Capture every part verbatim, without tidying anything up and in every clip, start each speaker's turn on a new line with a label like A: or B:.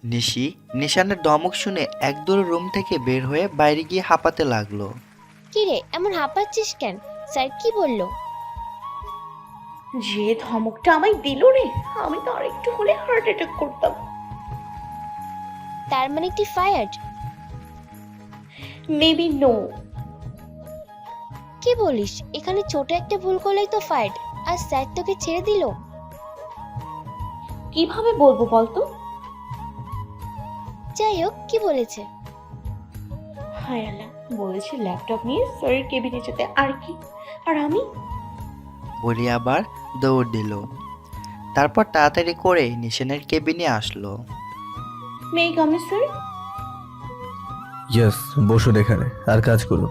A: নিশি নিশানের ধমক শুনে একদৌড়ে রুম থেকে বের হয়ে বাইরে গিয়ে হাঁপাতে লাগলো।
B: কি রে, এমন হাঁপাচ্ছিস কেন? স্যার কি বললো?
C: যে ধমকটা আমায় দিল রে, আমি তো আরেকটু হলে হার্ট অ্যাটাক করতাম।
B: তার মানে কি ফায়ার্ড?
C: Maybe no.
B: কি বলিস? এখানে ছোট একটা ভুল করলেই তো ফায়ার্ড, আর স্যার তোকে ছেড়ে দিল?
C: কিভাবে বলবো বলতো?
B: যাই হোক, কি বলেছে?
C: হায় আল্লাহ, বলেছে ল্যাপটপ নিয়ে স্যারের কেবিনে যেতে, আর কি। আর আমি
A: বলি আবার দৌড় দিল। তারপর তাড়াতাড়ি করে নিশানের কেবিনে আসলো।
C: মেয়ে কামে স্যার।
D: ইয়েস, বসুন এখানে আর কাজ করুন।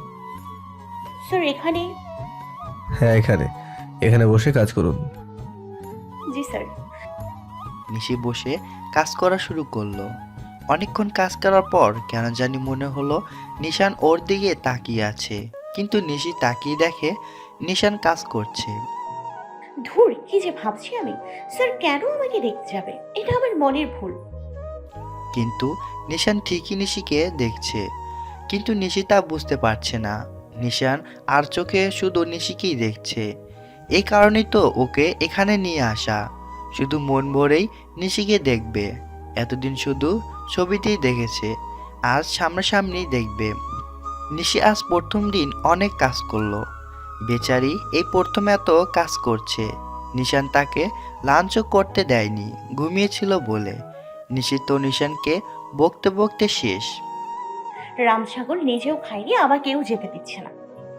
C: স্যার এখানে।
D: হ্যাঁ, এখানে এখানে বসে কাজ করুন।
C: জি স্যার।
A: নিশি বসে কাজ করা শুরু করলো। অনেকক্ষণ কাজ করার পর কেন জানি মনে হলো নিশান ওর দিকে তাকিয়ে আছে, কিন্তু নিশি তাকিয়ে দেখে নিশান কাজ করছে।
C: ধুর, কি যে ভাবছি আমি। স্যার কেন আমাকে দেখতে যাবে? এটা আমার মনের ভুল।
A: কিন্তু নিশান ঠিকই নিশিকে দেখছে, কিন্তু নিশি তা বুঝতে পারছে না। নিশান আর চোখে শুধু নিশিকেই দেখছে। এই কারণেই তো ওকে এখানে নিয়ে আসা, শুধু মন ভরেই নিশিকে দেখবে। এতদিন শুধু ছবিতেই দেখেছে, আজ সামনাসামনি দেখবে। নিশি আজ প্রথম দিন অনেক কাজ করলো। বেচারি এই প্রথম এত কাজ করছে। নিশান তাকে লাঞ্চও করতে দেয়নি, ঘুমিয়েছিল বলে। নিশি তো নিশানকে বকতে বকতে শেষ।
C: রাম ছাগল নিজেও খায়নি, আমাকেও যেতে দিচ্ছে না।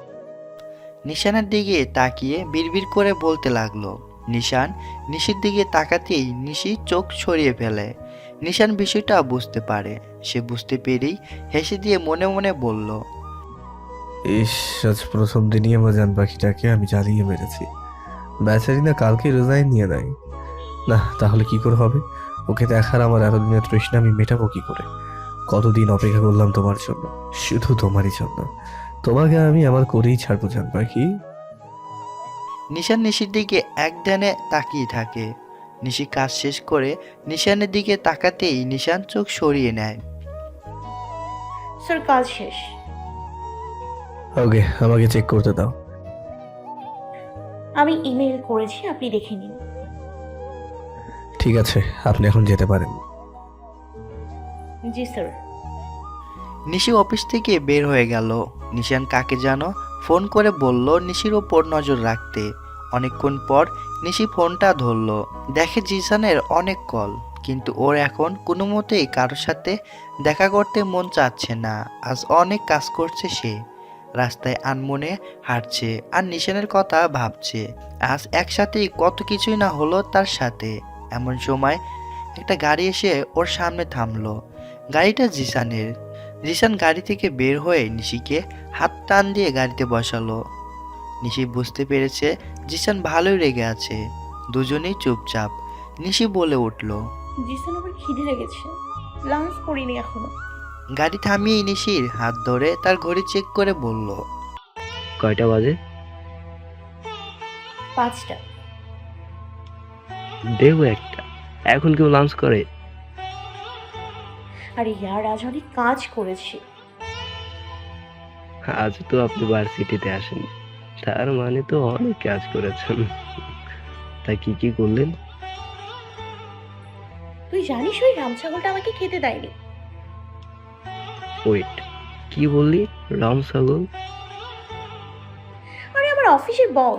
A: নিশানের দিকে তাকিয়ে বিড়বিড় করে বলতে লাগলো। নিশান নিশির দিকে তাকাতেই নিশি চোখ সরিয়ে ফেলে। নিশান বিষয়টা বুঝতে পারে। সে বুঝতে পেরেই হেসে দিয়ে মনে মনে বলল,
D: ইস, আজ প্রথম দিনই আমার জান পাখিটাকে আমি জ্বালিয়ে মেরেছি। বেচারি না কালকে রিজাইন নিয়ে নেয়। না, তাহলে কি করে হবে? ওকে দেখার আমার এতদিনের তৃষ্ণা আমি মেটাবো কি করে? কতদিন অপেক্ষা করলাম তোমার জন্য, শুধু তোমারই জন্য। তোমাকে আমি আমার করেই ছাড়বো জান পাখি।
A: নিশান নিশির দিকে এক ধ্যানে তাকিয়ে থাকে। নিশি কাজ শেষ করে নিশানের দিকে তাকাতেই নিশান চোখ সরিয়ে নেয়।
C: স্যার কাজ শেষ।
D: ওকে, আমাকে চেক করতে দাও।
C: আমি ইমেল করেছি, আপনি দেখে নিন।
D: ঠিক আছে, আপনি এখন যেতে পারেন।
C: জি স্যার।
A: নিশি অফিস থেকে বের হয়ে গেল। নিশান কাকে যেন ফোন করে বলল নিশির ওপর নজর রাখতে। অনেকক্ষণ পর নিশি ফোনটা ধরলো। দেখে জিসানের অনেক কল, কিন্তু ওর এখন কোনো মতেই কারোর সাথে দেখা করতে মন চাচ্ছে না। আজ অনেক কাজ করছে সে। রাস্তায় আনমনে হাঁটছে আর নিশানের কথা ভাবছে। আজ একসাথেই কত কিছুই না হলো তার সাথে। এমন সময় একটা গাড়ি এসে ওর সামনে থামলো। গাড়িটা জিসানের। জিসান গাড়ি থেকে বের হয়ে নিশিকে হাত টান দিয়ে গাড়িতে বসালো। নিশি বুঝতে পেরেছে জিসান ভালোই রেগে আছে। দুজনেই চুপচাপ। নিশি বলে উঠল,
C: জি স্যার, আমার খিদে লেগেছে, লাঞ্চ করিনি এখনো।
A: গাড়ি থামিয়ে নিশির হাত ধরে তার ঘড়ি চেক করে বলল,
E: কয়টা বাজে?
C: পাঁচটা।
E: দেবো একটা। এখন কেউ লাঞ্চ করে?
C: আরে ইয়ার, আজ অনেক কাজ করেছি।
E: আজ তো আপনি ভার্সিটিতে আসেন, তার মানে তো অনেক কাজ করেছেন। তা কি কি করলেন?
C: তুই জানিস ওই রাম ছাগলটা আমাকে খেতে দেয়নি।
E: ওয়েট, কি বললি? রাম ছাগল?
C: আরে আমার অফিসের বস।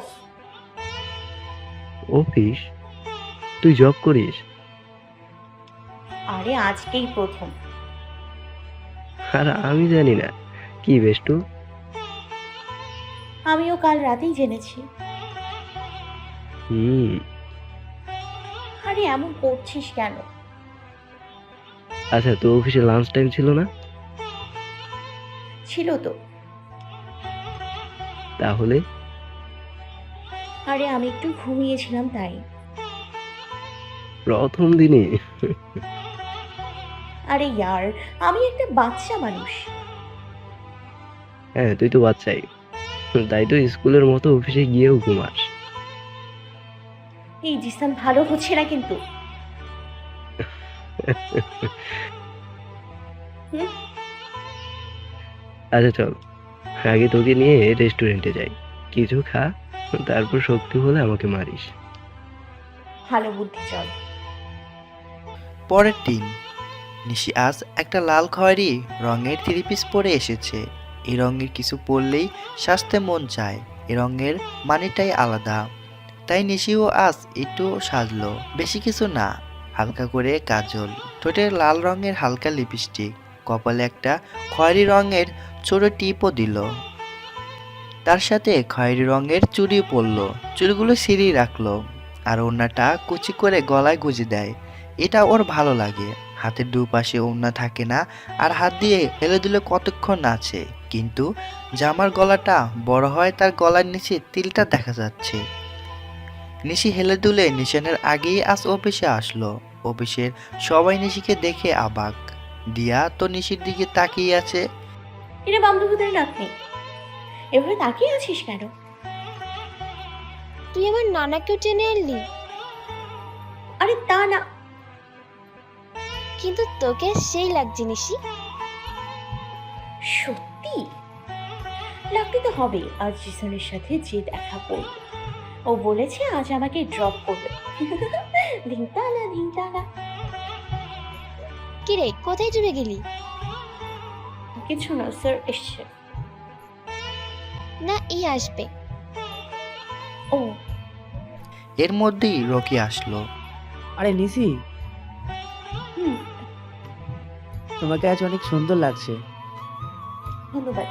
E: অফিস? তুই জব করিস?
C: আরে আজকেই প্রথম।
E: আর আমি জানি না। কি বেষ্টু?
C: আমিও কাল রাতেই জেনেছি।
E: হুম।
C: আরে এমন করছিস কেন?
E: আচ্ছা, তো অফিসে লাঞ্চ টাইম ছিল না?
C: ছিল তো।
E: তাহলে?
C: আরে আমি একটু ঘুমিয়েছিলাম তাই।
E: প্রথম দিনে?
C: আরে ইয়ার, আমি একটা বাচ্চা মানুষ।
E: হ্যাঁ, তুই তো বাচ্চাই। তাই তো স্কুলের মতো অফিসে গিয়েও ঘুমাস।
C: এই জিসান, ভালো হচ্ছে না কিন্তু। হুম?
E: আচ্ছা চল, আগে তোকে নিয়ে রেস্টুরেন্টে যাই, কিছু খা, তারপর শক্তি হলে আমাকে মারিস।
C: ভালো বুদ্ধি, চল।
A: পরের দিন নিশি আজ একটা লাল খয়েরি রঙের থ্রি পিস পরে এসেছে। এই রঙের কিছু পরলেই সাজতে মন চায়। এই রঙের মানেটাই আলাদা। তাই নিশিও আজ একটু সাজলো, বেশি কিছু না, হালকা করে কাজল, ঠোঁটে লাল রঙের হালকা লিপস্টিক, কপালে একটা খয়েরি রঙের ছোট টিপও দিল। তার সাথে খয়েরি রঙের চুড়ি পরলো, চুড়িগুলো সিঁড়ি রাখলো, আর ওড়নাটা কুচি করে গলায় গুজে দেয়। এটা ওর ভালো লাগে। হাতের দুপাশে ওড়না থাকে না, আর হাত দিয়ে হেলে দিলে কতক্ষণ নাচে। কিন্তু জামার গলাটা বড় হয়, তার গলার নিচে তিলটা দেখা যাচ্ছে। নিশি হেলে দুলে নিশানের আগেই আজ অফিসে আসলো। অফিসের সবাই নিশিকে দেখে অবাক। দিয়া তো নিশির দিকে তাকিয়ে আছে।
C: এটা বান্ধবীদের নাতনি, এভাবে তাকিয়ে আছিস কেন?
B: তুই আমার নানাকেও টেনে আনলি,
C: আরে তা না।
B: কিন্তু তোকে সেই লাগছে নিশি।
C: সত্যি লাগতে তো হবে। আজ জিসানের সাথে যে দেখা করবে, ও বলেছে আজ আমাকে ড্রপ করবে। ধিংতালা ধিংতালা।
B: কিরে, কোথায় চলে গেলি?
C: কিছু না, স্যার এসছে।
B: না, এই আসবে।
C: ও
A: এর মধ্যেই রকি আসলো।
F: আরে নিশি,
C: হুম,
F: তোমাকে আজ অনেক সুন্দর লাগছে।
C: ধন্যবাদ।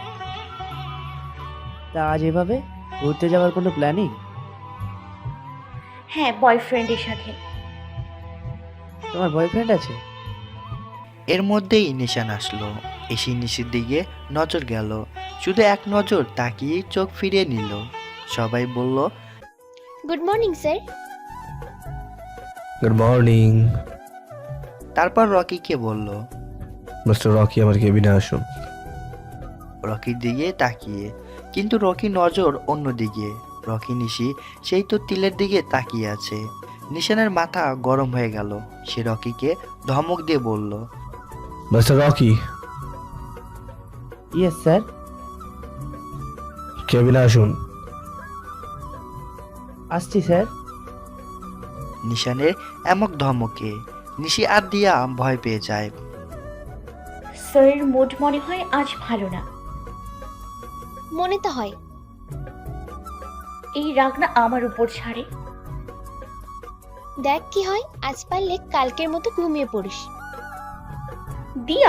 F: তা আজ এভাবে ঘুরতে যাওয়ার কোনো প্ল্যানিং?
C: হ্যাঁ, বয়ফ্রেন্ডের সাথে।
F: তোমার বয়ফ্রেন্ড আছে?
A: এর মধ্যেই নিশান আসলো। এসে নিশির দিকে নজর গেল, শুধু এক নজর তাকিয়ে চোখ ফিরিয়ে নিল। সবাই বলল,
B: good morning sir.
D: Good morning.
A: তারপর রকিকে বলল।
D: মিস্টার রকি, আমার কেবিনে আসুন।
A: রকির দিকে তাকিয়ে, কিন্তু রকি নজর অন্যদিকে। রকি নিশি সেই তো তিলের দিকে তাকিয়ে আছে। নিশানের মাথা গরম হয়ে গেল। সে রকিকে ধমক দিয়ে বলল,
D: মিস্টার রকি,
F: ইয়েস স্যার।
D: কেবিনে আসুন।
F: আসছি স্যার।
A: নিশানের এমক ধমকে নিশি আর দিয়া ভয় পেয়ে যায়।
C: স্যারের মুড মনে হয় আজ ভালো না।
B: মনে তো হয়।
C: এই রাগ না আমার উপর ছাড়ে।
B: দেখ কি হয়, আজ পারলে কালকের মতো ঘুমিয়ে পড়িস।
C: দিয়া,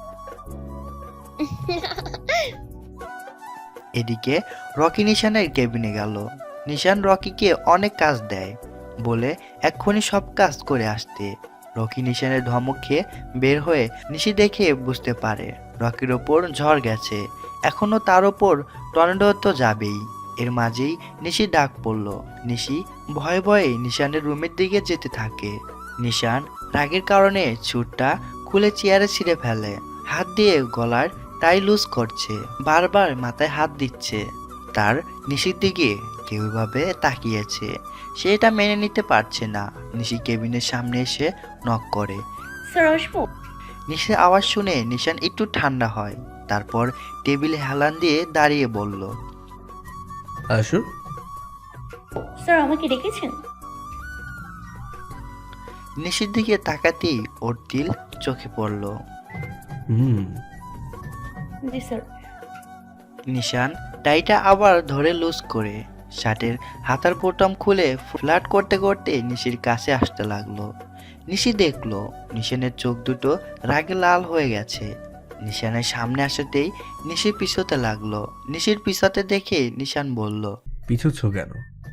A: এদিকে রকি নিশানের কেবিনে গেল। নিশান রকিকে অনেক কাজ দেয়, বলে এক্ষুনি সব কাজ করে আসতে। রকি নিশানের ধমক খেয়ে বের হয়ে নিশি দেখে বুঝতে পারে রকির ওপর ঝড় গেছে। এখনো তার ওপর টর্নেডো তো যাবেই। এর মাঝেই নিশি ডাক পড়ল। নিশি ভয়ে ভয়ে নিশানের রুমের দিকে যেতে থাকে। নিশান রাগের কারণে ছুটটা খুলে চেয়ারে ছিঁড়ে ফেলে, হাত দিয়ে গলার টাই লুজ করছে, বারবার মাথায় হাত দিচ্ছে। তার নিশির দিকে কেউভাবে তাকিয়েছে, সে এটা মেনে নিতে পারছে না। নিশি কেবিনের সামনে এসে নক করে।
C: স্যার আসবো?
A: নিশির আওয়াজ শুনে নিশান একটু ঠান্ডা হয়। তারপর টেবিলে হেলান দিয়ে দাঁড়িয়ে বলল,
D: আসুন।
C: স্যার আমাকে ডেকেছেন?
A: নিশির দিকে তাকাতেই ওর তিল চোখে পড়ল।
D: হুম।
C: জি স্যার।
A: নিশান টাইটা আবার ধরে লুজ করে শার্টের হাতার বোতাম খুলে ফ্ল্যাট করতে করতে নিশির কাছে আসতে লাগলো। নিশি দেখলো নিশানের চোখ দুটো রাগে লাল হয়ে গেছে। নিশানের সামনে আসাতেই নিশি পিছোতে লাগলো। নিশির পিছাতে দেখে নিশান বলল,
D: পিছুচ্ছ কেন?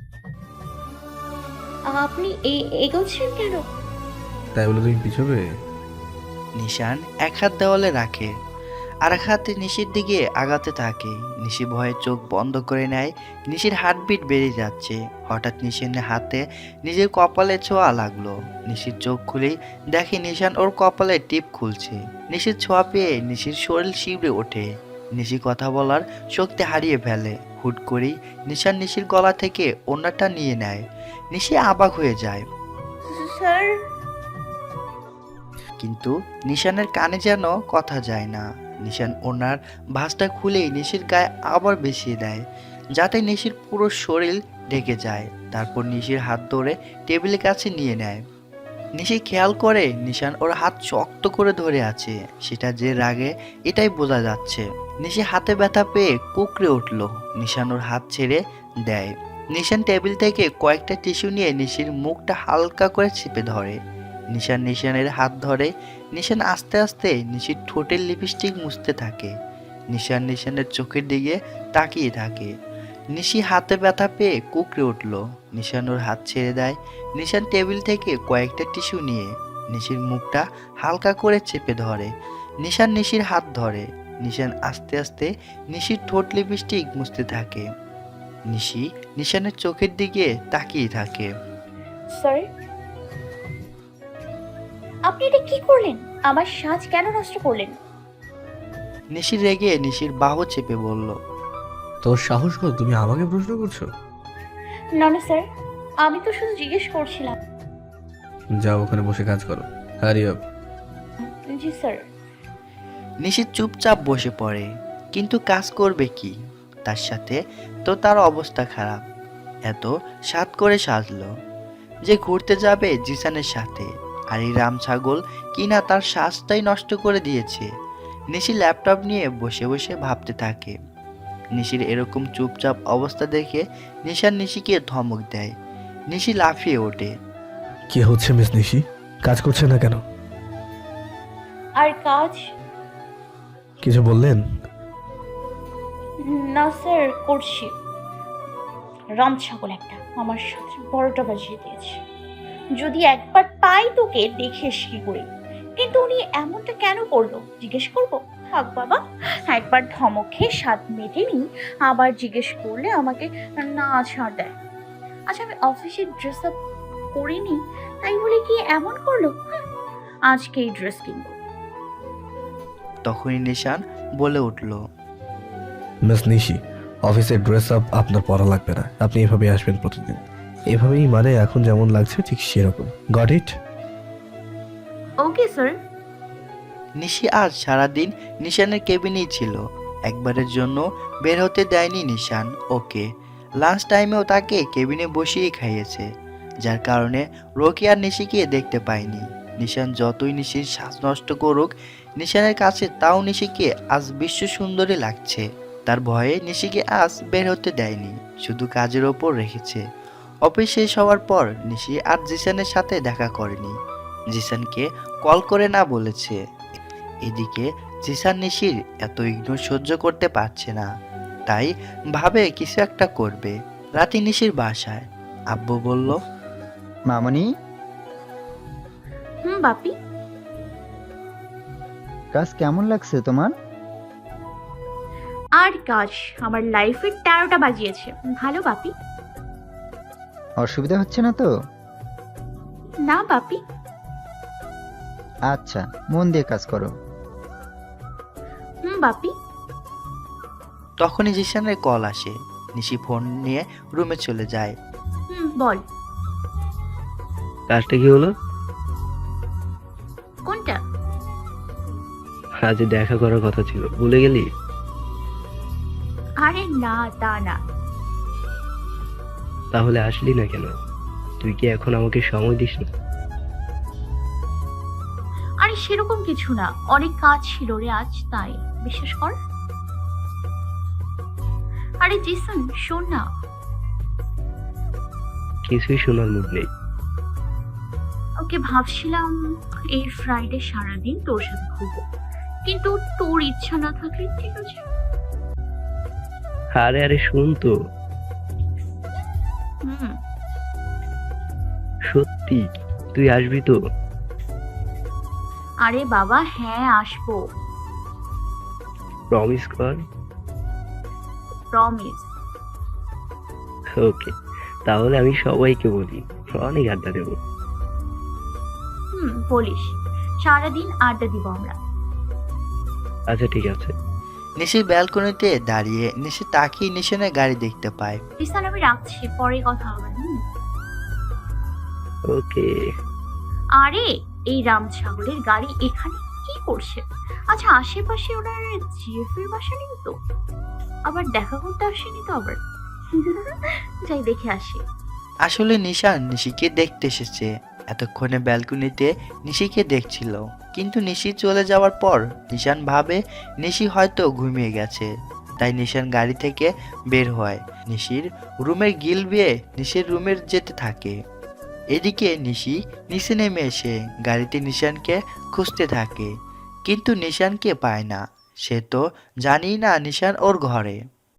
C: আপনি এই এগোচ্ছেন কেন?
D: তাই বলে তুমি পিছবে?
A: নিশান এক হাত দেওয়ালে রাখে, আর এক হাতে নিশির দিকে আগাতে থাকে। নিশি ভয়ে চোখ বন্ধ করে নেয়। নিশির হার্টবিট বেড়ে যাচ্ছে। হঠাৎ নিশানের হাতে নিজের কপালে ছোঁয়া লাগলো। নিশির চোখ খুলেই দেখে নিশান ওর কপালে টিপ খুলছে। নিশির ছোঁয়া পেয়ে নিশির শরীর শিবড়ে ওঠে। নিশি কথা বলার শক্তি হারিয়ে ফেলে। হুট করেই নিশান নিশির গলা থেকে ওড়নাটা নিয়ে নেয়। নিশি অবাক হয়ে যায়।
C: স্যার।
A: কিন্তু নিশানের কানে যেন কথা যায় না। নিশান ওনার ভাঁজটা খুলেই নিশির গায়ে আবার বেশিয়ে দেয়, যাতে নিশির পুরো শরীর ঢেকে যায়। তারপর নিশির হাত ধরে টেবিলের কাছে নিয়ে নেয়। নিশি খেয়াল করে নিশান ওর হাত শক্ত করে ধরে আছে, সেটা যে রাগে এটাই বোঝা যাচ্ছে। নিশি হাতে ব্যথা পেয়ে কুকড়ে উঠল। নিশান ওর হাত ছেড়ে দেয়। নিশান টেবিল থেকে কয়েকটা টিস্যু নিয়ে নিশির মুখটা হালকা করে চেপে ধরে। নিশান নিশানের হাত ধরে। নিশান আস্তে আস্তে নিশির ঠোঁটের লিপস্টিক মুছতে থাকে। নিশান নিশানের চোখের দিকে তাকিয়ে থাকে। নিশি হাতে ব্যথা পেয়ে কুকড়ে উঠল। নিশান ওর হাত ছেড়ে দেয়। নিশান টেবিল থেকে কয়েকটা টিস্যু নিয়ে নিশির মুখটা হালকা করে চেপে ধরে। নিশান নিশির হাত ধরে। নিশান আস্তে আস্তে নিশির ঠোঁট লিপস্টিক মুছতে থাকে। নিশি নিশানের চোখের দিকে তাকিয়ে থাকে।
C: স্যার, আপনি এটা কি করলেন? আমার সাজ কেন নষ্ট করলেন?
A: নিশি রেগে নিশির বাহু চেপে বলল,
D: তোর সাহস কত, তুমি আমাকে প্রশ্ন করছো?
C: না না স্যার, আমি তো শুধু জিজ্ঞেস করছিলাম।
D: যাও ওখানে বসে কাজ করো, হারি আপ।
C: জি স্যার।
A: নিশি চুপচাপ বসে পড়ে, কিন্তু কাজ করবে কি? তার সাথে তো তার অবস্থা খারাপ। এত সাত করে সাজলো যে ঘুরতে যাবে জিসানের সাথে, আর এই রাম ছাগল কিনা তার সাজটাই নষ্ট করে দিয়েছে। নিশি ল্যাপটপ নিয়ে বসে বসে ভাবতে থাকে। নিশির এরকম চুপচাপ অবস্থা দেখে নিশান নিশিকে ধমক দেয়। নিশি লাফিয়ে ওঠে।
D: কি হচ্ছে মিস নিশি? কাজ করছে না কেন?
C: আর কাজ?
D: কিছু বললেন?
C: না স্যার, করছি। রাম ছাগল একটা আমার সাথে বড়টা বাজিয়ে দিয়েছে। যদি একবার পাই তোকে দেখিস কি করে। কিন্তু উনি এমনটা কেন করলো জিজ্ঞেস করবো? থাক বাবা, একবার ধমক খেয়ে স্বাদ মেটেনি, আবার জিজ্ঞেস করলে আমাকে না ছাড় দেয়। আচ্ছা, আমি অফিসে ড্রেস আপ করিনি তাই বলে কি এমন করলো? হুঁ, আজকে এই ড্রেস কিনবো।
A: তখনই নিশান বলে উঠল,
D: মিস নিশি, অফিসের ড্রেস আপ আপনার পরা লাগবে না। আপনি এভাবেই আসবেন প্রতিদিন। এভাবেই মানে এখন যেমন লাগছে ঠিক সেরকম। Got it?
C: Okay sir.
A: নিশি আজ সারাদিন নিশানের কেবিনেই ছিল। একবারের জন্য বের হতে দেয়নি নিশান ওকে। লাঞ্চ টাইমেও তাকে কেবিনে বসিয়েই খাইয়েছে, যার কারণে রকি আর নিশিকে দেখতে পায়নি। নিশান যতই নিশির শ্বাস নষ্ট করুক নিশানের কাছে, তাও নিশিকে আজ বিশ্ব সুন্দরী লাগছে। তার ভয়ে নিশিকে আজ বের হতে দেয়নি, শুধু কাজের ওপর রেখেছে। অফিস শেষ হওয়ার পর নিশি আর জিসানের সাথে দেখা করেনি। জিসানকে কল করে না বলেছে। এদিকে জিসান নিশির এত ইগনোর সহ্য করতে পারছে না, তাই ভাবে কিছু একটা করবে। রাতে নিশির বাসায় আব্বু বলল,
G: মামনি,
C: হুম বাপি।
G: কাজ কেমন লাগছে তোমার?
C: আর কাজ আমার লাইফের তেরোটা বাজিয়েছে। ভালো বাপি।
G: অসুবিধা হচ্ছে না তো?
C: না বাপি।
G: আচ্ছা, মন দিয়ে কাজ করো।
C: হুম বাপি।
A: তখনই জিসানের কল আসে। নিশি ফোন নিয়ে রুমে চলে যায়।
C: হুম বল।
E: কাজটা কি হলো?
C: কোনটা?
E: আজ দেখা করার কথা ছিল, ভুলে গেলি?
C: আরে না, তা না।
E: তাহলে আসলি না কেন? তুই কি এখন আমাকে সময় দিস না?
C: আরে সেরকম কিছু না, অনেক কাজ ছিল রে আজ, তাই। বিশ্বাস কর। আরে জিসন শোন না।
E: কিছুই শোনার মুড নেই।
C: ওকে ভাবছিলাম এই ফ্রাইডে সারাদিন তোর সাথে ঘুরবো, কিন্তু তোর ইচ্ছা না থাকলে ঠিক আছে।
E: আরে আরে শুন তো,
C: হুম।
E: সত্যি তুই আসবি তো?
C: আরে বাবা হ্যাঁ আসবো,
E: প্রমিস কর।
C: প্রমিস।
E: ওকে, তাহলে আমি সবাইকে বলি, অনেক আড্ডা দেবো।
C: হুম বলিস, সারাদিন আড্ডা দিব আমরা।
E: আচ্ছা ঠিক আছে।
A: নিশির ব্যালকনিতে দাঁড়িয়ে নিশি তাকিয়ে নিশানের গাড়ি দেখতে পায়।
C: জিসান আমি রাখছি, পরে কথা হবে। হুম।
E: ওকে।
C: আরে এই রাম ছাগলের গাড়ি এখানে কি করছে? আচ্ছা, আশেপাশে ওনার জিএফ এর বাসা নেই তো? আবার দেখা করতে আসেনি তো আবার? যাই দেখে আসি।
A: আসলে নিশান নিশিকে দেখতে এসেছে। এতক্ষণে ব্যালকনিতে নিশিকে দেখছিল, কিন্তু নিশি চলে যাওয়ার পর নিশান ভাবে নিশি হয়তো ঘুমিয়ে গেছে। তাই নিশান গাড়ি থেকে বের হয়, নিশির রুমের গিল বেয়ে নিশির রুমের যেতে থাকে। এদিকে নিশি নিচে নেমে এসে গাড়িতে নিশানকে খুঁজতে থাকে, কিন্তু নিশানকে পায় না। সে তো জানি না নিশান ওর ঘরে।